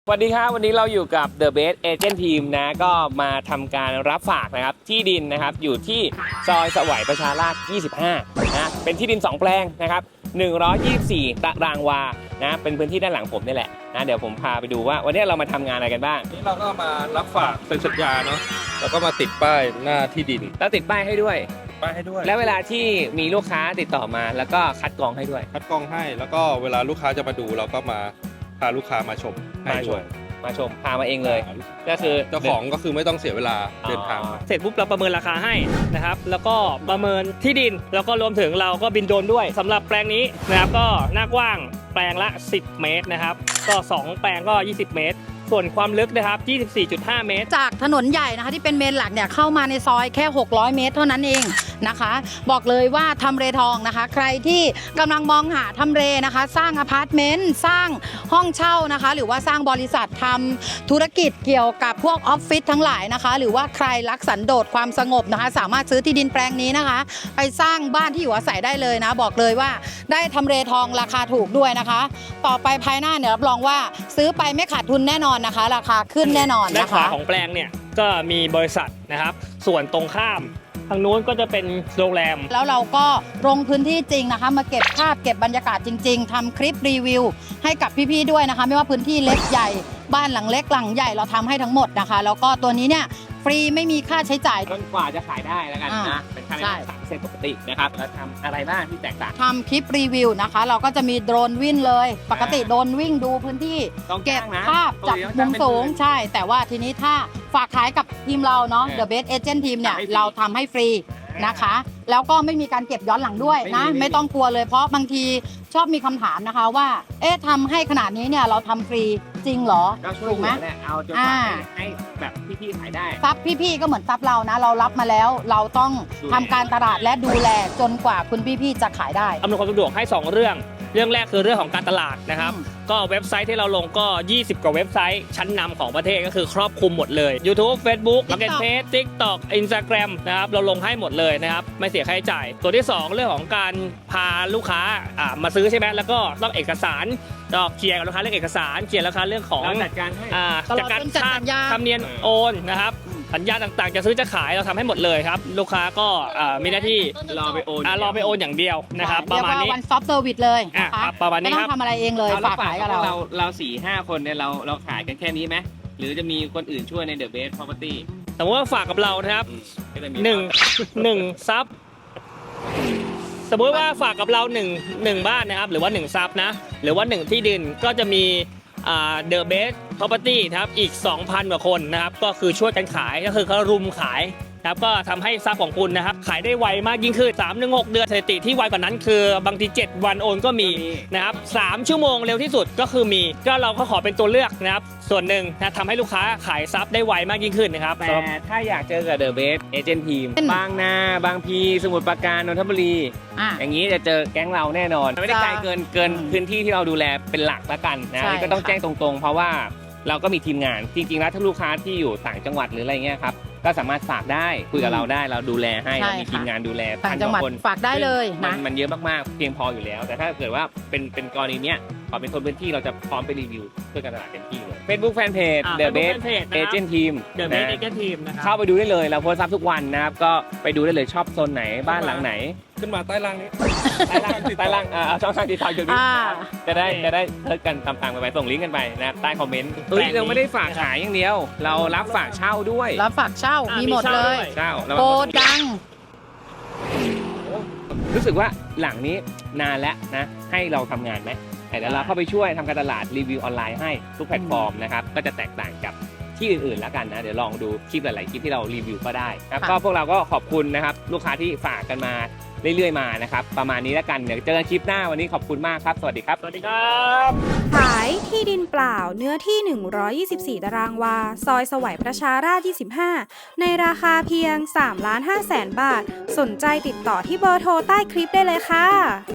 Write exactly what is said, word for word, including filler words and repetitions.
สวัสดีครับวันนี้เราอยู่กับ The Best Agent Team นะก็มาทำการรับฝากนะครับที่ดินนะครับอยู่ที่ซอยสวัยประชาราษฎร์ยี่สิบห้านะเป็นที่ดินสองแปลงนะครับหนึ่งร้อยยี่สิบสี่ตารางวานะเป็นพื้นที่ด้านหลังผมนี่แหละนะเดี๋ยวผมพาไปดูว่าวันนี้เรามาทำงานอะไรกันบ้างนี่เราก็มารับฝากเป็นสัญญาเนาะแล้วก็มาติดป้ายหน้าที่ดินแล้วติดป้ายให้ด้วยป้ายให้ด้วยแล้วเวลาที่มีลูกค้าติดต่อมาแล้วก็คัดกรองให้ด้วยคัดกรองให้แล้วก็เวลาลูกค้าจะมาดูเราก็มาพาลูกค้ามาชมให้ด้วยมาชมพามาเองเลยก็คือเจ้าของก็คือไม่ต้องเสียเวลาเดินทางเสร็จปุ๊บเราประเมินราคาให้นะครับแล้วก็ประเมินที่ดินแล้วก็รวมถึงเราก็บินโดรนด้วยสำหรับแปลงนี้นะครับก็หน้ากว้างแปลงละสิบเมตรนะครับก็สองแปลงก็ยี่สิบเมตรส่วนความลึกนะครับ ยี่สิบสี่จุดห้า เมตรจากถนนใหญ่นะคะที่เป็นเมนหลักเนี่ยเข้ามาในซอยแค่หกร้อยเมตรเท่านั้นเองนะคะบอกเลยว่าทำเลทองนะคะใครที่กำลังมองหาทำเลนะคะสร้างอพาร์ตเมนต์สร้างห้องเช่านะคะหรือว่าสร้างบริษัททำธุรกิจเกี่ยวกับพวกออฟฟิศทั้งหลายนะคะหรือว่าใครรักสันโดษความสงบนะคะสามารถซื้อที่ดินแปลงนี้นะคะไปสร้างบ้านที่อยู่อาศัยได้เลยนะบอกเลยว่าได้ทำเลทองราคาถูกด้วยนะคะต่อไปภายหน้าเนี่ยรับรองว่าซื้อไปไม่ขาดทุนแน่นอนนะคะราคาขึ้นแน่นอนนะคะด้านขวาของแปลงเนี่ยก็มีบริษัทนะครับส่วนตรงข้ามทางนู้นก็จะเป็นโรงแรมแล้วเราก็ลงพื้นที่จริงนะคะมาเก็บภาพเก็บบรรยากาศจริงๆทำคลิปรีวิวให้กับพี่ๆด้วยนะคะไม่ว่าพื้นที่เล็กใหญ่บ้านหลังเล็กหลังใหญ่เราทำให้ทั้งหมดนะคะแล้วก็ตัวนี้เนี่ยฟรีไม่มีค่าใช้จ่ายจนกว่าจะขายได้แล้วกันนะเป็นค่าใช้จ่ายสามเซนปกตินะครับแล้วทำอะไรบ้างที่แตกต่างทำคลิปรีวิวนะคะเราก็จะมีโดรนวิ่งเลยปกติโดรนวิ่งดูพื้นที่เก็บภาพจากมุมสูงใช่แต่ว่าทีนี้ถ้าฝากขายกับทีมเราเนาะ The Best Agent Team เนี่ยเราทำให้ฟรีนะคะแล้วก็ไม่มีการเก็บย้อนหลังด้วยนะไม่ต้องกลัวเลยเพราะบางทีชอบมีคำถามนะคะว่าเอ๊ะทำให้ขนาดนี้เนี่ยเราทำฟรีจริงเหรอถูกไหมเอาจนกว่าให้แบบพี่ๆขายได้ซับพี่ๆก็เหมือนซับเรานะเรารับมาแล้วเราต้องทำการตลาดและดูแลจนกว่าคุณพี่ๆจะขายได้อำนวยความสะดวกให้สองเรื่องเรื่องแรกคือเรื่องของการตลาดนะครับก็เว็บไซต์ที่เราลงก็ยี่สิบกว่าเว็บไซต์ชั้นนำของประเทศก็คือครอบคลุมหมดเลย YouTube Facebook Marketplace TikTok Instagram นะครับเราลงให้หมดเลยนะครับไม่เสียค่าใช้จ่ายตัวที่สองเรื่องของการพาลูกค้ามาซื้อใช่ไหมแล้วก็ต้องเอกสารก็เคลียร์กับลูกค้าเรื่องเอกสารเคลียร์ราคาเรื่องของจัดการให้จัดการค่าธรรมเนียมโอนนะครับสัญญาต่างๆจะซื้อจะขายเราทำให้หมดเลยครับลูกค้าก็มีหน้าที่รอไปโอนรอไปโอนอย่างเดียวนะครับประมาณนี้วันซอฟต์เซอร์วิสเลยนะคะประมาณนี้ครับไม่ต้องทำอะไรเองเลยฝากขายกับเราเราเราสี่ห้าคนเนี่ยเราเราขายกันแค่นี้ไหมหรือจะมีคนอื่นช่วยใน The Best Property สมมติว่าฝากกับเรานะครับหนึ่งหนึ่งซับสมมติว่าฝากกับเราหนึ่งหนึ่งบ้านนะครับหรือว่าหนึ่งซับนะหรือว่าหนึ่งที่ดินก็จะมีThe Best Property นะครับอีก สองพัน กว่าคนนะครับก็คือช่วยกันขายก็คือเขารุมขายครับก็ทำให้ทรัพย์ของคุณนะครับขายได้ไวมากยิ่งขึ้น สามถึงหก เดือนสถิติที่ไวกว่านั้นคือบางทีเจ็ดวันโอนก็มีนะครับสามชั่วโมงเร็วที่สุดก็คือมีก็เราก็ขอเป็นตัวเลือกนะครับส่วนหนึ่งนะทำให้ลูกค้าขายทรัพย์ได้ไวมากยิ่งขึ้นนะครับแต่ถ้าอยากเจอกับ The Best Agent Team บางนาบางพีสมุทรปราการนนทบุรีอย่างนี้จะเจอแก๊งเราแน่นอนไม่ได้ไกลเกินเกินพื้นที่ที่เราดูแลเป็นหลักละกันนะนี่ก็ต้องแจ้งตรงๆเพราะว่าเราก็มีทีมงานจริงๆแล้วถ้าลูกค้าที่อยู่ต่างจังหวัดหรืออะไรเงี้ยครับก็สามารถฝากได้คุยกับเราได้เราดูแลให้เรามีทีมงานดูแลต่างจังหวัดฝากได้เลยนะมันเยอะมากๆเพียงพออยู่แล้วแต่ถ้าเกิดว่าเป็นเป็นกรณีเนี้ยขอเป็นคนพื้นที่เราจะพร้อมไปรีวิวเพื่อการตลาดเต็มที่เลย Facebook Fanpage The Best Agent Team The Best Agent Team นะครับเข้าไปดูได้เลยเราโพสต์ซับทุกวันนะครับก็ไปดูได้เลยชอบโซนไหนบ้านหลังไหนขึ้นมาใต้ล่างนี้ใต้ล่างใต้ล่างเอาช่องทางติดต่ออยู่นี้จะได้จะได้เทิร์ดกันตามๆกันไปส่งลิงก์กันไปนะครับใต้คอมเมนต์เฮ้ยเราไม่ได้ฝากขายอย่างเดียวเรารับฝากเช่าด้วยรับฝากเช่ามีหมดเลยเช่าโกดังรู้สึกว่าหลังนี้นานแล้วนะให้เราทำงานไหมแต่เราเข้าไปช่วยทำการตลาดรีวิวออนไลน์ให้ทุกแพลตฟอร์มนะครับก็จะแตกต่างกับที่อื่นๆแล้วกันนะเดี๋ยวลองดูคลิปหลายๆคลิปที่เรารีวิวก็ได้ครับก็พวกเราก็ขอบคุณนะครับลูกค้าที่ฝากกันมาเรื่อยๆมานะครับประมาณนี้แล้วกันเดี๋ยวเจอกันคลิปหน้าวันนี้ขอบคุณมากครับสวัสดีครับสวัสดีครับขายที่ดินเปล่าเนื้อที่หนึ่งร้อยยี่สิบสี่ตารางวาซอยสวัยประชาราษฎร์ยี่สิบห้าในราคาเพียง สามล้านห้าแสน บาทสนใจติดต่อที่เบอร์โทรใต้คลิปได้เลยค่ะ